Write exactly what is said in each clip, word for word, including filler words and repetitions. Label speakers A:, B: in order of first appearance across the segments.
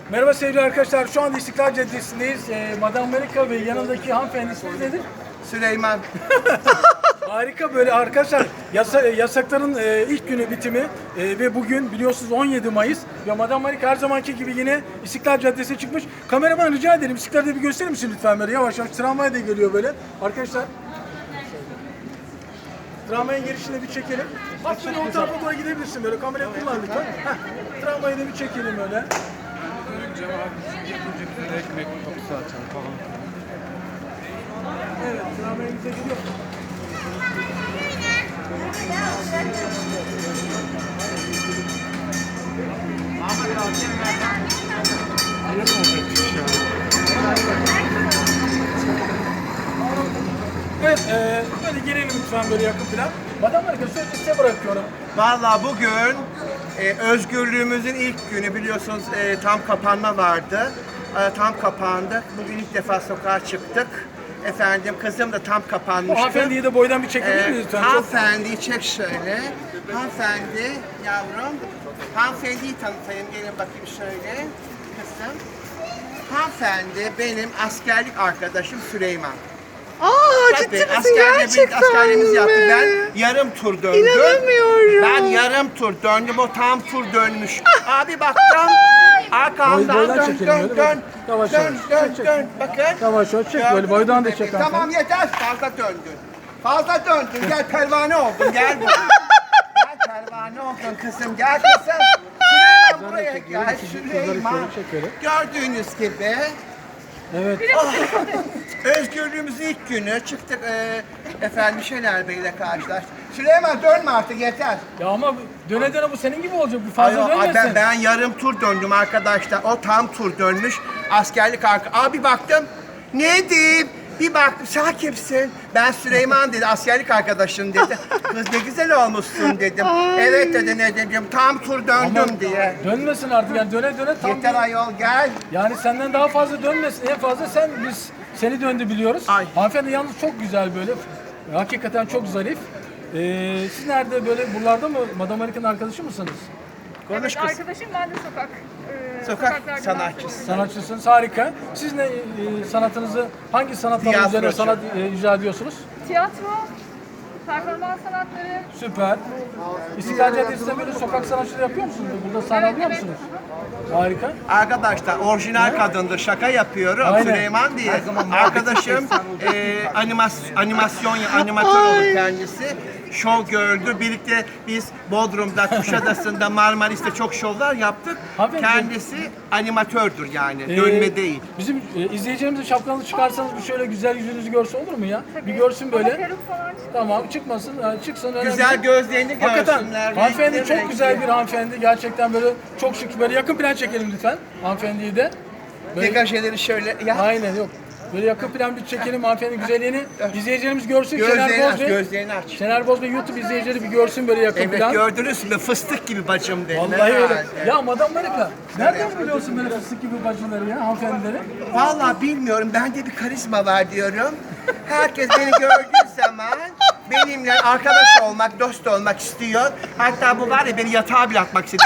A: Merhaba sevgili arkadaşlar. Şu anda İstiklal Caddesi'ndeyiz. Ee, Madame Amerika ve yanındaki hanımefendi ismi nedir?
B: Süleyman.
A: Harika böyle arkadaşlar. Yasa, yasakların e, ilk günü bitimi e, ve bugün biliyorsunuz on yedi Mayıs ve Madame Amerika her zamanki gibi yine İstiklal Caddesi'ne çıkmış. Kameraman rica ederim. İstiklal'de bir gösterir misin lütfen böyle yavaş yavaş. Tramvay da geliyor böyle. Arkadaşlar. Tramvayın girişine bir çekelim. Bak böyle o tarafa doğru gidebilirsin böyle. Kamerayı kullan lütfen. Heh. Tramvayı da bir çekelim öyle.
C: Ekmek kapısı açan falan.
A: Evet, tramvayımıza gidiyor. Evet, e, böyle gelelim lütfen böyle yakın plan. Madame Amerika sözü size bırakıyorum.
B: Vallahi bugün e, özgürlüğümüzün ilk günü biliyorsunuz e, tam kapanma vardı. E, tam kapandı. Bugün ilk defa sokağa çıktık. Efendim kızım da tam
A: Bu
B: kapanmıştı.
A: hanımefendiyi de boydan bir çekebilir miyiz
B: E,
A: lütfen? Çok...
B: hanımefendiyi çek şöyle. Hanımefendi yavrum. Hanımefendiyi tanıtayım. Gelin bakayım şöyle. Kızım. Hanımefendi benim askerlik arkadaşım Süleyman.
D: Aa, ciddi
B: Tabii,
D: misin
B: askerde
D: gerçekten
B: bir askerliğimizi yaptık.
D: mi?
B: Ben yarım tur döndüm.
D: İnanamıyorum.
B: Ben yarım tur döndüm, o tam tur dönmüş. Abi baktım, arkamdan
A: Boy- boydan
B: dön,
A: çekelim
B: dön,
A: böyle,
B: dön,
A: yavaş
B: dön,
A: yavaş.
B: dön,
A: Çek, çek.
B: dön, bakın.
A: Yavaş yavaş çek böyle,
B: Gördünüz
A: boydan
B: mü
A: da çek
B: beni? Tamam
A: hanımefendi.
B: yeter, fazla döndün. Fazla döndün, gel pervane oldun, gel buraya. Gel pervane oldun kızım, gel kızım. Süleyman buraya gel, Süleyman. Gördüğünüz gibi.
A: Evet.
B: Özgürlüğümüzün ilk günü çıktık e, efendim Şener Bey'le karşılaştık. Süleyman dönme artık yeter.
A: Ya ama döne döne bu senin gibi olacak. Bu fazla
B: Ay, ay,
A: dönmesin.
B: ben, ben yarım tur döndüm arkadaşlar. O tam tur dönmüş. Askerlik arka. Abi baktım. Ne diyeyim? Bir baktım. Sen kimsin? Ben Süleyman dedi. Askerlik arkadaşın dedi. Kız ne güzel olmuşsun dedim. Evet dedi ne dedim. Tam tur döndüm
A: Ama
B: diye.
A: dönmesin artık yani döne döne tam
B: Yeter ayol gel.
A: yani senden daha fazla dönmesin. En fazla sen biz seni döndü biliyoruz.
B: Ay.
A: Hanımefendi yalnız çok güzel böyle. Hakikaten çok zarif. Ee, siz nerede böyle buralarda mı Madame Amerika'nın arkadaşı mısınız?
B: Konuş
E: Evet,
B: kız.
E: arkadaşım ben de sokak. e,
B: Sokak
E: sokaklarda
B: sanatçısı.
A: Sanatçısınız harika. Siz ne e, sanatınızı hangi sanatlar üzerine
B: Tiyatrocu.
A: sanat e, icra ediyorsunuz?
E: Tiyatro, performans sanatları.
A: Süper. İstiklal Caddesi'nde böyle sokak sanatçıları yapıyor musunuz? Burada sahne
E: Evet,
A: alıyor
E: evet.
A: musunuz? Harika.
B: Arkadaşlar orijinal kadındır. Şaka yapıyorum.
A: Aynen.
B: Süleyman diye. Arkadaşım e, animas, animasyon animatör olur kendisi. Şov gördü. Birlikte biz Bodrum'da, Kuşadası'nda, Marmaris'te çok şovlar yaptık.
A: Hanımefendi-
B: Kendisi animatördür yani.
A: Ee,
B: Dönme değil.
A: Bizim e, izleyicilerimize şapkanızı çıkarsanız bir şöyle güzel yüzünüzü görse olur mu ya?
E: Tabii.
A: Bir görsün
E: Ama
A: böyle.
E: peruk falan çıkıyor.
A: Tamam çıkmasın, yani çıksın önemli.
B: Güzel
A: değil.
B: gözlerini
A: Hakikaten
B: görsünler.
A: hanımefendi
B: renkli
A: çok
B: renkli.
A: güzel bir hanımefendi. Gerçekten böyle çok şık. Böyle yakın plan çekelim lütfen hanımefendiyi de. Böyle,
B: Degajeleri şöyle. Ya.
A: aynen yok. Böyle yakın plan bir çekelim hanımefendinin güzelliğini. İzleyicilerimiz görsün.
B: Gözlerini
A: Şener
B: aç,
A: Boz Bey.
B: gözlerini aç.
A: Şener Boz Bey YouTube izleyicileri bir görsün böyle yakın
B: Evet
A: plan.
B: gördünüz mü? Fıstık gibi bacım dedi.
A: Vallahi öyle.
B: Herhalde.
A: Ya Madame Amerika, nereden biliyorsun böyle fıstık gibi bacıları ya hanımefendileri?
B: Vallahi bilmiyorum. Bende bir karizma var diyorum. Herkes beni gördüğü zaman benimle arkadaş olmak, dost olmak istiyor. Hatta bu var ya beni yatağa bile atmak istedi.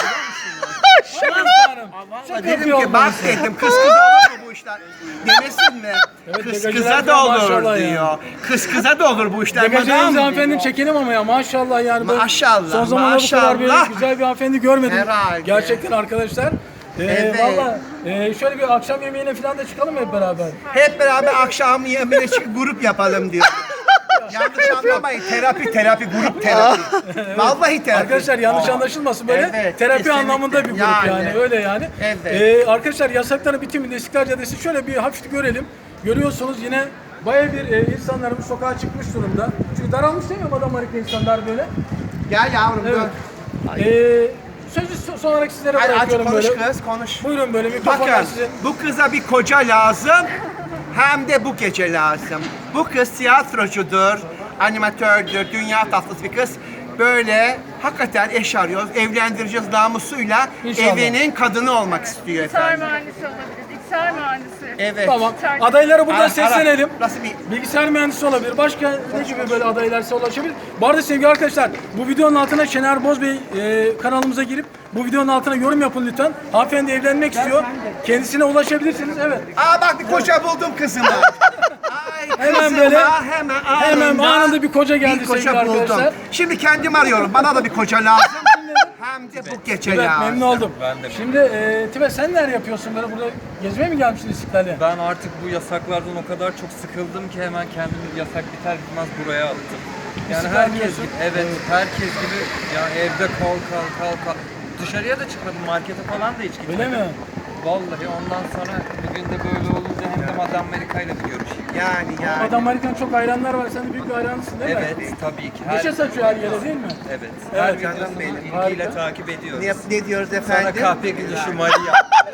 A: Şaka hanım. Şaka
B: Dedim
A: yapıyor
B: ki bak
A: olmalısın.
B: dedim kız kıza olur mu bu işler? Demesin mi?
A: Evet,
B: Kız
A: degajler
B: kıza
A: diyor,
B: da olur
A: maşallah
B: diyor.
A: yani.
B: Kız kıza da olur bu işler.
A: Degajlarımızı
B: madam
A: hanımefendinin
B: diyor.
A: çekelim ama ya maşallah yani. böyle
B: Maşallah,
A: Son zamanlarda bu kadar böyle
B: maşallah.
A: güzel bir hanımefendi görmedim.
B: Herhalde.
A: Gerçekten arkadaşlar. Ee,
B: Evet.
A: Valla e, şöyle bir akşam yemeğine falan da çıkalım hep beraber.
B: Hep beraber akşam yemeğine çıkıp grup yapalım diyor. Yanlış anlamayın. Terapi, terapi, grup terapi. Vallahi terapi.
A: Arkadaşlar yanlış anlaşılmasın böyle
B: Evet,
A: terapi
B: kesinlikle.
A: anlamında bir grup yani,
B: Yani.
A: öyle yani.
B: Evet.
A: Ee, arkadaşlar yasakların bitiminde İstiklal Caddesi şöyle bir hafif görelim. Görüyorsunuz yine baya bir e, insanlarımız sokağa çıkmış durumda. Çünkü daralmış değil mi Madame Amerika insanlar böyle?
B: Gel yavrum
A: Evet.
B: dön.
A: Ee, sözü so- son olarak sizlere
B: Hadi aç
A: bırakıyorum
B: konuş
A: böyle.
B: kız konuş.
A: Buyurun böyle mikrofonlar
B: Bakın
A: sizin.
B: bu kıza bir koca lazım hem de bu gece lazım. Bu kız tiyatrocudur, animatördür, dünya tatlısı bir kız. Böyle hakikaten eş arıyoruz, evlendireceğiz namusuyla
A: İnşallah.
B: evinin kadını olmak istiyor
E: Gitar
B: efendim.
E: mühendisi olabiliriz. bilgisayar mühendisi.
B: Evet.
A: Tamam.
E: Tercih-
A: Adaylara buradan
B: Ara-
A: seslenelim.
B: ara. Nasıl bir...
A: Bilgisayar mühendisi olabilir. Başka ne gibi böyle adaylarsa ulaşabilir. Bu arada sevgili arkadaşlar bu videonun altına Şener Boz Bey e, kanalımıza girip bu videonun altına yorum yapın lütfen. Hanımefendi evlenmek istiyor. Kendisine ulaşabilirsiniz. Evet.
B: Aa bak bir koca buldum kızıma. Ay
A: Hemen
B: kızıma
A: böyle-
B: hemen
A: hemen
B: anında
A: anında bir koca geldi
B: bir koca
A: sevgili
B: buldum.
A: arkadaşlar.
B: Şimdi kendim arıyorum. Bana da bir koca lazım. Hem de bu gece
A: Evet,
B: lazım.
A: memnun oldum. Şimdi e, Tibet sen neler yapıyorsun böyle burada gezmeye mi gelmişsin İstiklal'e?
C: Ben artık bu yasaklardan o kadar çok sıkıldım ki hemen kendimi yasak biter bitmez buraya attım. Yani
A: İstiklal
C: herkes
A: diyorsun.
C: gibi, evet herkes gibi yani evde kal kal kal kal. Dışarıya da çıkmadım, markete falan da hiç gitmedim.
A: Öyle mi?
C: Vallahi ondan sonra bugün de böyle olunca hem de Madame Amerika ile bir görüşeyim.
B: Yani yani.
A: Adam Amerika'nın çok hayranlar var. Sen de büyük bir hayranısın değil mi?
C: Evet, tabii ki. Her,
A: Neşe saçıyor her yere değil mi?
C: evet,
A: Evet,
C: her
B: canım
C: videosunu
B: benim.
C: ilgiyle
A: Harika.
C: takip ediyoruz.
B: Ne, ne diyoruz
C: Sana
B: efendim?
C: kahpe gülüşü Maria.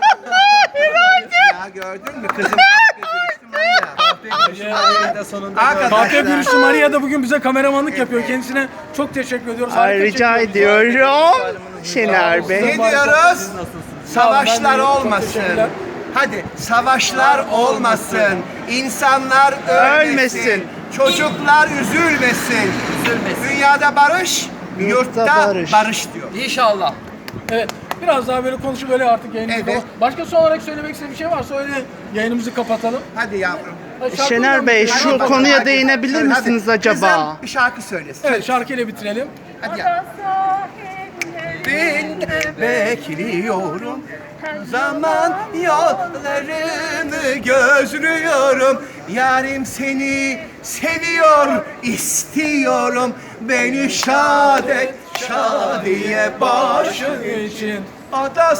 B: Ya gördün mü kızım kahpe gülüştü Maria.
C: Kahpe gülüşü Maria'yı da sonunda
B: Arkadaşlar.
C: gördüm.
A: Kahpe Gürüşlü Maria da bugün bize kameramanlık yapıyor. Kendisine çok teşekkür ediyoruz.
D: Ay,
A: Harika
D: rica
A: çekiyor bizi.
D: ediyorum. Şener Bey.
B: Ne diyoruz?
C: Siz nasılsınız?
B: Savaşlar
A: Ben de- çok
B: olmasın.
A: teşekkürler.
B: Hadi savaşlar olmasın. İnsanlar ölmesin.
D: Ölmesin.
B: Çocuklar üzülmesin.
C: Üzülmesin.
B: Dünyada barış, yurtta
D: barış.
B: barış diyor.
C: İnşallah.
A: Evet. Biraz daha böyle konuşup böyle artık yayınımızı
B: Evet.
A: kapat- Başka son olarak söylemek istediğin bir şey varsa öyle yayınımızı kapatalım.
B: Hadi yavrum.
A: Hadi şarkı
D: Şener
A: oradan
D: Bey
A: bitirelim.
D: şu
B: Hadi,
D: konuya
B: hadi.
D: değinebilir
B: Hadi.
D: misiniz acaba?
B: Kızım bir şarkı söylesin.
A: Evet şarkıyla bitirelim.
B: Hadi ya.
E: Ada sahillerinde
B: Ben bekliyorum. Zaman yollarını gözlüyorum. Yarim seni seviyor, istiyorum. Beni şad et, şadiye başım.
A: Şu için.
B: Ada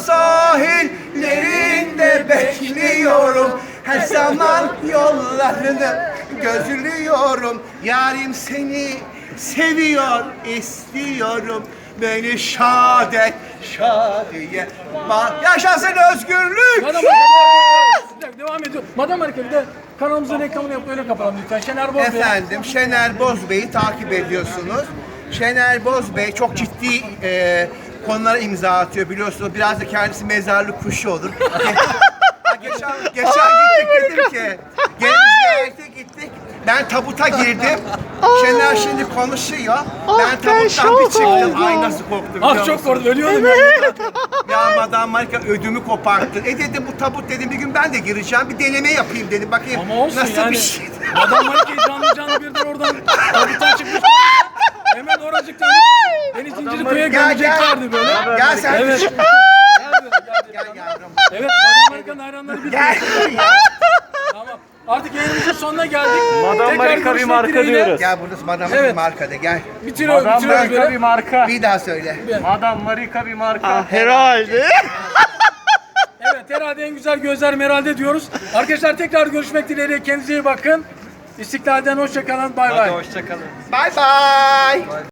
B: sahillerinde bekliyorum. Her zaman yollarını gözlüyorum. Yarim seni seviyor, istiyorum. Beni şad et, şadiye ba- Yaşasın özgürlük!
A: Madam Amerika bir dakika, devam ediyor. Madam Amerika bir de kanalımızın reklamını yapıp öyle kapatalım lütfen. Şener Boz Bey.
B: Efendim Şener Boz Bey'i takip ediyorsunuz. Şener Boz Bey çok ciddi e, konulara imza atıyor biliyorsunuz. Biraz da kendisi mezarlık kuşu olur. Ha, geçen, geçen gittik dedim ki, gelin ziyarete gittik. Ben tabuta girdim. Şener şimdi konuşuyor. Ben
D: ben
B: tabuttan
D: şok
B: bir çıktım.
D: oldum.
B: Ay nasıl korktum biliyor
A: Ah çok
B: musun?
A: korktum ölüyordum ya.
B: Ya Madame Marika ödümü koparttı. E dedim bu tabut dedim bir gün ben de gireceğim. Bir deneme yapayım dedim. Bakayım
A: Ama olsun
B: nasıl
A: yani.
B: bir şey.
A: Madam Marika'yı canlı canlı birden oradan tabuttan çıkmış. Hemen oracıktan beni Zincirlikuyu'ya
B: Gel, gel.
A: gömeceklerdi böyle.
B: Gel sen.
A: Evet.
B: Gel yavrum.
A: Evet Madam Marika'nın hayranları biliyor.
B: Gel.
A: Tamam. Artık yayınımızın sonuna geldik.
F: Madam
A: Tekrar
F: Marika bir
A: görüşmek
F: marka
A: dileğiyle.
F: diyoruz.
B: Gel burada Madame
A: Evet.
B: markada gel.
A: Bitiriyoruz,
F: Madam
A: bitiriyoruz
F: Marika bir
A: böyle.
F: marka.
B: Bir daha söyle.
F: Madam Marika bir marka.
D: Ah, herhalde.
A: Evet herhalde en güzel gözler Meral'de diyoruz. Arkadaşlar tekrar görüşmek dileğiyle kendinize iyi bakın. İstiklal'den hoşça kalın. Bay bay.
C: Hadi hoşça kalın.
B: Bye bye.